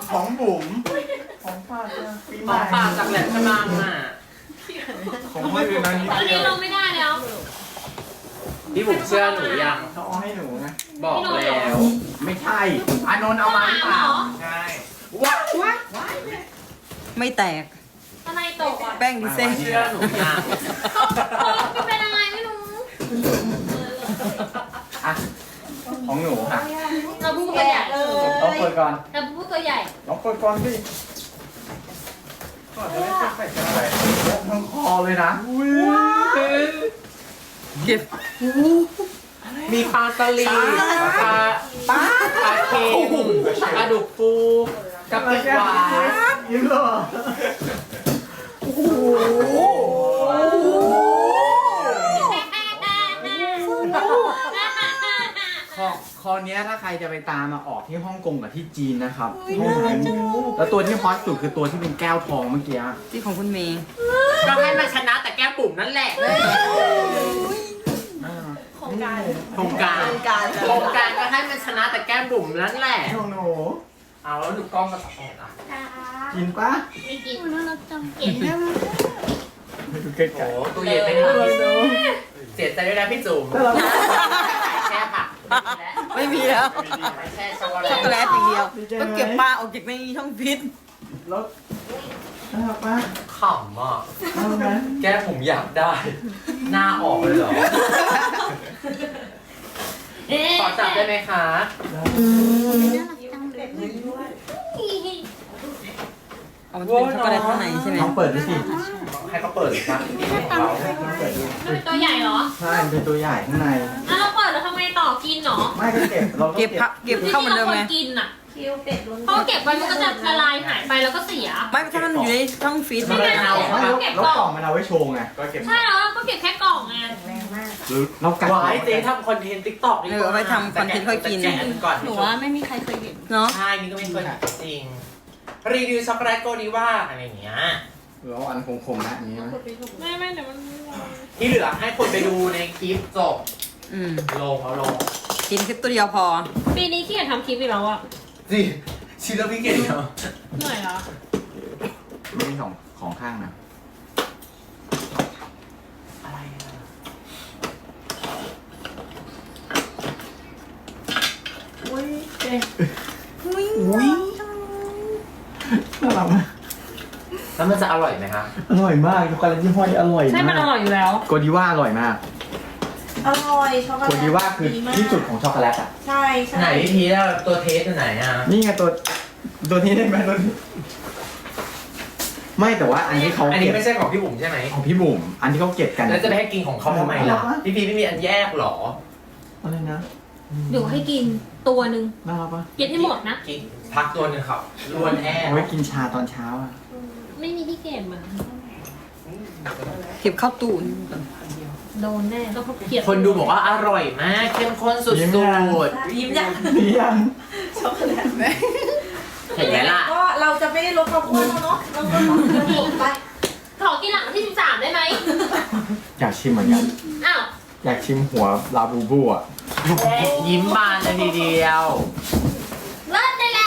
ของบุ๋มของฝากปีใหม่ปากจากแหลมฉบังอ่ะของพ่อคือนั้นตอนนี้ลงไม่ได้แล้วพี่บุ๋มเชื่อหนูยังเขาเอาให้หนูไงบอกแล้วไม่ใช่อานนท์เอามาหรือเปล่าใช่ว้าวว้าวไม่แตกอะไรตกอ่ะแป้งดีเซ่เชื่อหนูยังเขาไม่เป็นอะไรไม่รู้อ่ะของหนูค่ะเราพูดตัวใหญ่ลองเปิดก่อนเราพูดตัวใหญ่ลองเปิดก่อนสิก่อนจะได้ใส่กันอะไรทั้งคอเลยนะเก็บมีปลาสลิดปลาเค็มปลาดุกฟูกับเป็ดหวานยิ้มเหรอโอ้โหคอเนี้ยถ้าใครจะไปตามมาออกที่ฮ่องกงกับที่จีนนะครับห้องนั้นแล้วตัวที่ฮอตสุดคือตัวที่เป็นแก้วทองเมื่อกี้ที่ของคุณเมย์ก็ให้มันชนะแต่แก้มบุ๋มนั่นแหละโครงการโครงการโครงการก็ให้มันชนะแต่แก้มบุ๋มนั่นแหละของหนูเอาแล้วดูกล้องมาตัดออกอ่ะกินปะไม่กินน่ารักจังเก่งไปดูใกล้โอ้ๆตู้เย็นไม่ทันเสียใจด้วยนะพี่จุ๋มแช่ผักไม่มีแล้วไปแช่ช็อกโกช็อกโกแลแลตตอย่างเดียวต้องเก็บปลาออกจากในช่องฟิตแล้วน่ารักปะขำอ่ะน่ารักไหมแก้ผมอยากได้ หน้าออกเลยเหรอ ขอจับได้ไหมคะเอามันเป็นช็อกโกแลตข้างในใช่ไหมลองเปิดดูสิให้เขาเปิดเลยครับนี่ของเรามันเป็นตัวใหญ่เหรอใช่มันเป็นตัวใหญ่ข้างในอ่ะเราเปิดแล้วทำไมต่อกินเหรอไม่ก็เก็บเราเก็บพักเก็บเข้าเหมือนเดิมไหมที่ราควรกินอ่ะเพราะเก็บไว้มันก็จะละลายหายไปแล้วก็เสียไม่ถ้ามันอยู่ในช่องฟิตไม่ได้เอาไม่แล้วกล่องมันเอาไว้โชว์ไงก็เก็บใช่แล้วก็เก็บแค่กล่องไงหรือเรากัดวายเจ๊ทำคอนเทนต์ติ๊กต็อกดีกว่าเอาไปทำคอนเทนต์ค่อยกินแต่แกะก่อนหนูว่าไม่มีใครเคยเห็นเนาะใช่นี่ก็ไม่เคยจริง รีวิวช็อกโกแลตโกดีว่าอะไรอย่างเงี้ยเราอันคมๆนะอย่างนี้ไหมไม่เดี๋ยวมันที่เหลือให้คนไปดูในคลิปจบอืมลงเอาลงกินคลิปตัวเดียวพอปีนี้ขี้เกียจทำคลิปอีกแล้วอ่ะสิชิลเลอร์พี่เกดเหรอเหนื่อยแล้วไม่มีของข้างนะอะไรอ่ะอุ้ยน่ารักมากแล้วมันจะอร่อยไหมคะอร่อยมากช็อกโกแลตยี่ห้อนี้อร่อยใช่มากมันอร่อยอยู่แล้วโกดีว่าอร่อยมากอร่อยช็อกโกโกแลตดีว่าคือที่สุดของช็อกโกแลตอ่ะใช่ใช่ไหนวิธีแล้วตัวเทสอยู่ไหนอ่ะนี่ไงตัวนี้ได้ไหมตัวนี้ไม่แต่ว่าอันที่เขาอันนี้เก็บไม่ใช่ของพี่บุ๋มใช่ไหมของพี่บุ๋มอันที่เขาเก็บกันแล้วจะไปให้กินของเขาทำไมล่ะ พี่พีไม่มีอันแยกหรออะไรนะเดี๋ยวให้กินตัวหนึ่งน่ารักปะกินให้หมดนะกินพักตัวหนึ่งครับรวนแอร์เอาไว้กินชาตอนเช้าอ่ะไม่มีที่เก็บอ่ะเก็บเข้าตู้โดนแน่ต้องเขาเกลียดคนดูบอกว่าอร่อยมากเข้มข้นสุดยิ้มยังดียังช็อกโกแลตๆเห็นไหมล่ะก็เราจะไม่ได้ลดความอ้วนแล้วเนาะเราก็ลดลงไปขอกินหลังที่13ได้ไหมอยากชิมเหมือนกันอ้าวอยากชิมหัวลาบูบูอ่ะยิ้มบานเลยทีเดียว